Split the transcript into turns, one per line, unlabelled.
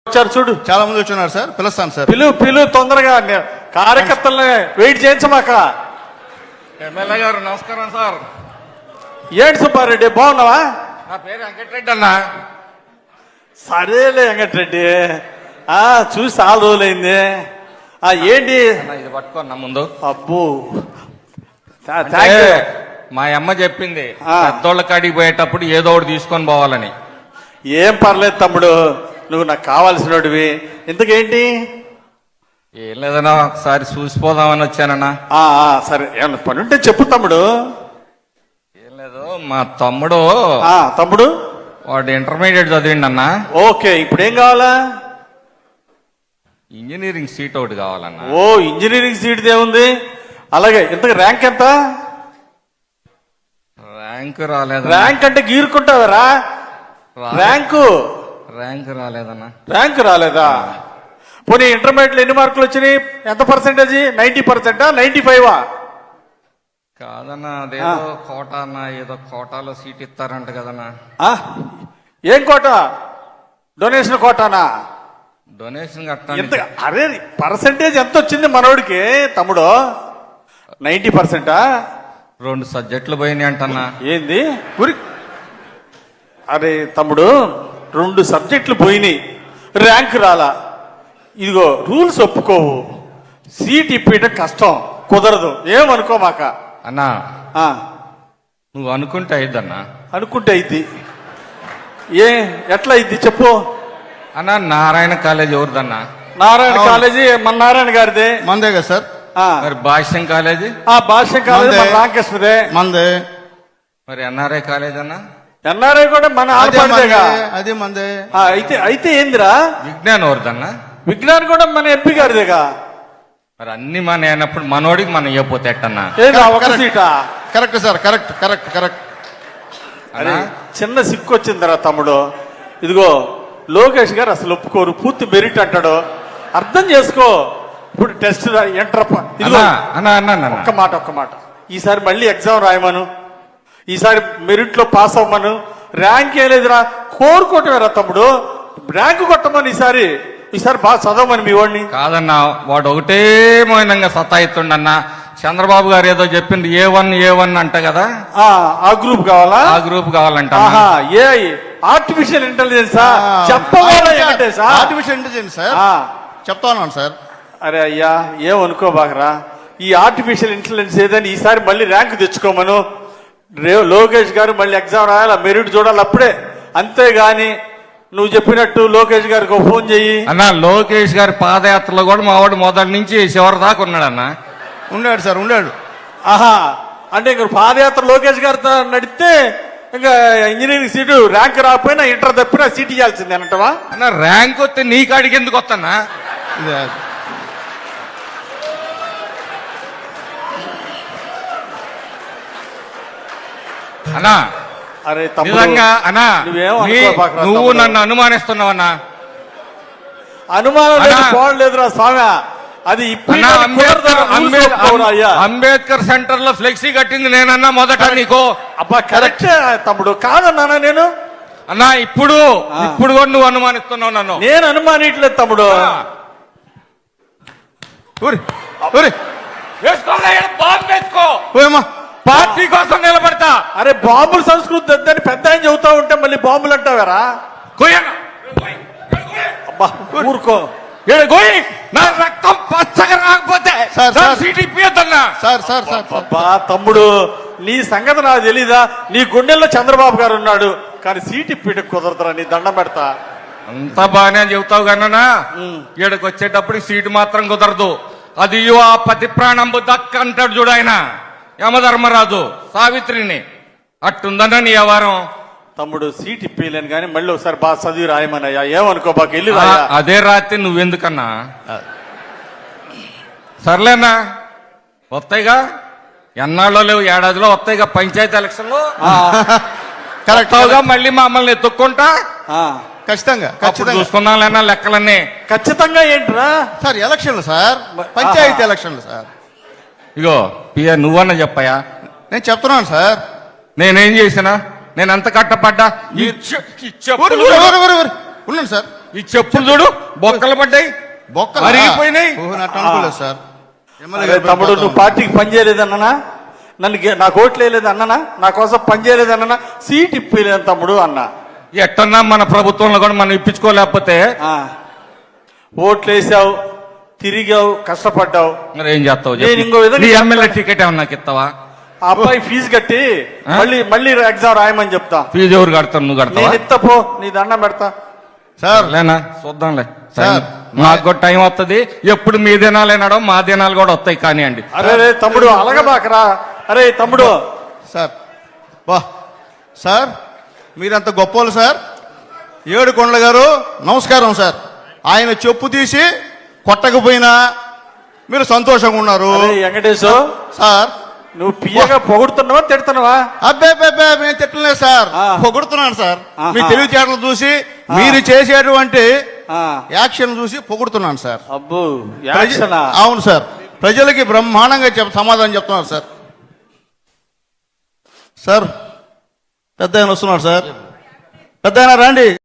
వచ్చారు చూడు,
చాలా మంది వచ్చున్నారు సార్. పిలుస్తాను సార్.
పిలు తొందరగా. కార్యకర్తల్ని వెయిట్ చేయించమాక.
ఎమ్మెల్యే గారు నమస్కారం సార్.
ఏంటి సుబ్బారెడ్డి, బాగున్నావా?
నా పేరు వెంకటరెడ్డి అన్న.
సరేలే వెంకటరెడ్డి, చూసి చాలా రోజులైంది. ఏంటి
ఇది పట్టుకోన్నా ముందు.
అబ్బో,
మా అమ్మ చెప్పింది పెద్దోళ్ళ కాడికి పోయేటప్పుడు ఏదో ఒకటి తీసుకొని పోవాలని.
ఏం పర్లేదు తమ్ముడు, నువ్వు నాకు కావాల్సినవి. ఇంతకేంటి?
ఏం లేదన్నా, ఒకసారి చూసిపోదామని వచ్చానన్నా.
సరే, ఏమన్నా పని ఉంటే చెప్పు తమ్ముడు.
ఏం లేదు, మా తమ్ముడు
తమ్ముడు
వాడు ఇంటర్మీడియట్ చదివిండి అన్న.
ఓకే, ఇప్పుడు ఏం కావాలా?
ఇంజనీరింగ్ సీట్ ఒకటి కావాలన్నా.
ఓ, ఇంజనీరింగ్ సీట్ ఏముంది? అలాగే, ఇంతకు ర్యాంక్ ఎంత?
ర్యాంక్ రాలేదు.
ర్యాంక్ అంటే గీరుకుంటావరా?
ర్యాంక్ రాలేదన్నా.
ర్యాంక్ రాలేదా? పోనీ ఇంటర్మీడియట్ ఎన్ని మార్కులు వచ్చినాయి? ఎంత పర్సెంటేజ్? 90%, 95?
కాదన్నా, అదేదో కోటా అన్న, ఏదో కోటాలో సీట్ ఇస్తారంట కదన్నా.
ఏం కోట? డొనేషన్ కోటానా?
డొనేషన్ కట్టాలి.
అరే, పర్సెంటేజ్ ఎంత వచ్చింది మనోడికి తమ్ముడు? 90%?
2 సబ్జెక్టులు పోయినాయి అంటన్నా.
ఏంది? అరే తమ్ముడు, 2 సబ్జెక్టులు పోయినాయి, ర్యాంక్ రాలా. ఇదిగో రూల్స్ ఒప్పుకోవు, సీట్ ఇప్పించడం కష్టం, కుదరదు. ఏమనుకోమాక
అన్నా. నువ్వు అనుకుంటే అయిద్దన్నా.
అనుకుంటే అయింది. ఎట్లా అయింది చెప్పు
అన్నా. నారాయణ కాలేజ్ ఎవరిదన్నా?
నారాయణ కాలేజీ మన నారాయణ గారిదే.
మందే కదా సార్.
మరి భాష్యం కాలేజీ?
భాష్యం కాలేజీ మన రామకృష్ణదే.
మందే.
మరి ఎన్ఆర్ఐ కాలేజ్ అన్నా?
ఎన్ఆర్ఐ కూడా మన ఆడపడిదేగా.
అదే మందే.
అయితే ఏందిరా?
విజ్ఞాన్ ఎవరిదన్నా?
విజ్ఞాన్ కూడా మన ఎంపీ గారిదేగా.
మరి అన్ని మన అయినప్పుడు మనోడికి మనం ఇవ్వపోతే ఎట్టన్నా?
ఒక సీటా?
Correct sir, correct correct correct.
అరే, చిన్న సిక్కు వచ్చిందిరా తమ్ముడు. ఇదిగో లోకేష్ గారు అసలు ఒప్పుకోరు, పూర్తి మెరిట్ అంటాడు. అర్థం చేసుకో. ఇప్పుడు టెస్ట్ ఎంటర్. ఒక్క మాట, ఈసారి మళ్ళీ ఎగ్జామ్ రాయమను, ఈసారి మెరిట్ లో పాస్ అవ్వమను. ర్యాంక్ ఏ లేదురా, కోరుకోవటమేరా తమ్ముడు. ర్యాంక్ కొట్టమని ఈసారి బాగా చదవమని మీ వాడిని.
కాదన్నా, వాడు ఒకటే మౌనంగా సతాయిస్తుండన్నా. చంద్రబాబు గారు ఏదో చెప్పింది A1 అంట కదా.
ఆ గ్రూప్ కావాలా?
ఆ గ్రూప్ కావాలంట.
ఆర్టిఫిషియల్ ఇంటెలిజెన్స్ చెప్పవాలి.
ఆర్టిఫిషియల్ ఇంటెలిజెన్స్ సార్ చెప్తా ఉన్నాను సార్.
అరే అయ్యా, ఏమనుకోబాకరా. ఈ ఆర్టిఫిషియల్ ఇంటెలిజెన్స్ ఏదని ఈసారి మళ్ళీ ర్యాంక్ తెచ్చుకోమను. లోకేష్ గారు మళ్ళీ ఎగ్జామ్ రాయాలి, మెరిట్ చూడాలి అప్పుడే. అంతేగాని నువ్వు చెప్పినట్టు లోకేష్ గారికి ఫోన్ చెయ్యి
అన్నా. లోకేష్ గారి పాదయాత్రలో కూడా మా వాడు మొదటి నుంచి చివరి దాకా ఉన్నాడన్నా.
ఉన్నాడు సార్, ఉన్నాడు.
అంటే ఇంక పాదయాత్ర లోకేష్ గారితో నడిస్తే ఇంకా ఇంజనీరింగ్ సీటు ర్యాంక్ రాకపోయినా ఇంటర్ తప్పినా సీట్ ఇవ్వాల్సిందే అంటవా?
అన్న, ర్యాంక్ వస్తే నీ కాడికి ఎందుకు వస్తానా? అన్నా,
అరే
నిజంగా అన్నా, నువ్వు నన్ను అనుమానిస్తున్నావన్నా.
అనుమానం లేదురా స్వామి. అది
అంబేద్కర్ సెంటర్ లో ఫ్లెక్సీ కట్టింది నేనన్నా మొదట నీకు.
అబ్బా కరెక్ట్ తమ్ముడు, కాదన్నా నేను.
అన్నా, ఇప్పుడు కూడా నువ్వు అనుమానిస్తున్నావు నన్ను.
నేను అనుమానిట్లేదు తమ్ముడు.
పార్టీ కోసం నిలబడతా.
అరే, బాంబుల సంస్కృతి వద్దని పెద్ద ఆయన చెబుతా ఉంటే మళ్ళీ బాంబులు అంటావారా? అబ్బా ఊరుకో.
నా రక్తం పచ్చగా రాకపోతే
తమ్ముడు, నీ సంగతి నాకు తెలీదా? నీ గుండెల్లో చంద్రబాబు గారు ఉన్నాడు, కానీ సీట్ ఇప్పిట కుదరదురా. నీ దండం పెడతా.
అంతా బాగానే చెబుతావు కన్నా, ఈడకి వచ్చేటప్పుడు సీటు మాత్రం కుదరదు. అది ఆ పతి ప్రాణంబు దక్క అంటాడు చూడు ఆయన యమధర్మరాజు సావిత్రిని. అట్టుందన్నా నీ వ్యవహారం.
తమ్ముడు, సీట్ ఇప్పలేను కానీ మళ్ళీ ఒకసారి బాగా చదివి రాయమనయ్యా. ఏమనుకో బాగా వెళ్ళి.
అదే రాత్రి నువ్వెందుకన్నా? సర్లేనా, వస్తాయిగా. ఎన్నాళ్ళో లేవు, ఏడాదిలో వస్తాయిగా పంచాయతీ ఎలక్షన్లో. కరెక్ట్గా మళ్ళీ మమ్మల్ని ఎత్తుక్కుంటా.
ఖచ్చితంగా
చూసుకున్నాం లేనా లెక్కలన్నీ.
ఖచ్చితంగా ఏంట్రా
సార్? ఎలక్షన్లు సార్, పంచాయతీ ఎలక్షన్లు సార్.
ఇగో నువ్వన్నా చెప్పయా.
నేను చెప్తున్నాను సార్.
నేనేం చేసినా? నేను ఎంత కట్టపడ్డా?
ఉన్నాను సార్.
ఈ చెప్పులు చూడు బొక్కలు పడ్డాయి
బొక్కలు
అరిగిపోయినాయి.
అనుకోలేదు సార్ ఎమ్మెల్యే
అరే
గారు
తమ్ముడు
పోతాం.
నువ్వు పార్టీకి పని చేయలేదన్నానా, నాకు ఓట్లు వేయలేదు అన్ననా, నా కోసం పని చేయలేదన్నా, సీట్ ఇప్పలేదు తమ్ముడు అన్నా.
ఎట్టన్నా మన ప్రభుత్వంలో కూడా మనం ఇప్పించుకోలేకపోతే
ఆ, ఓట్లు వేసావు, తిరిగావు, కష్టపడ్డావు.
మరి ఏం చేస్తావు
నేను ఇంకో విధంగా
నీ ఎమ్మెల్యే టికెట్ ఏమన్నా నాకు ఇస్తావా?
ఆ అబ్బాయి ఫీజు కట్టి మళ్ళీ ఎగ్జామ్ రాయమని చెప్తా.
ఫీజు ఎవరు కడతావు? నువ్వు కడతావా?
నేను ఇస్తా పో, నీ దండం పెడతా.
సార్
లేనా చూద్దాంలే.
సార్,
మాకు కూడా టైం వస్తుంది. ఎప్పుడు మీ దినాలేనాడో మా దినాలు కూడా వస్తాయి కానివ్వండి.
అరే తమ్ముడు అలగబాకరా. అరే తమ్ముడు
సార్ వా సార్ మీరంత గొప్పోళ్ళు సార్. ఏడుకొండల గారు నమస్కారం సార్. ఆయన చెప్పు తీసి కొట్టకపోయినా మీరు సంతోషంగా ఉన్నారు
అరే వెంకటేశు,
సార్.
నువ్వు పియ్యగా పొగుడుతున్నావా తిడుతున్నావా?
అబ్బే మేము తిట్టలేదు సార్,
ఆ.
పొగుడుతున్నాను సార్.
ఆహా.
మీ తెలివితేటలు చూసి మీరు చేసేటువంటి
ఆ,
యాక్షన్ చూసి పొగుడుతున్నాను సార్.
అబ్బో యాక్షనా?
అవును సార్, ప్రజలకి బ్రహ్మాండంగా సమాధానం చెప్తున్నారు సార్. సార్ పెద్ద ఆయన వస్తున్నారు సార్. పెద్ద ఆయన రండి.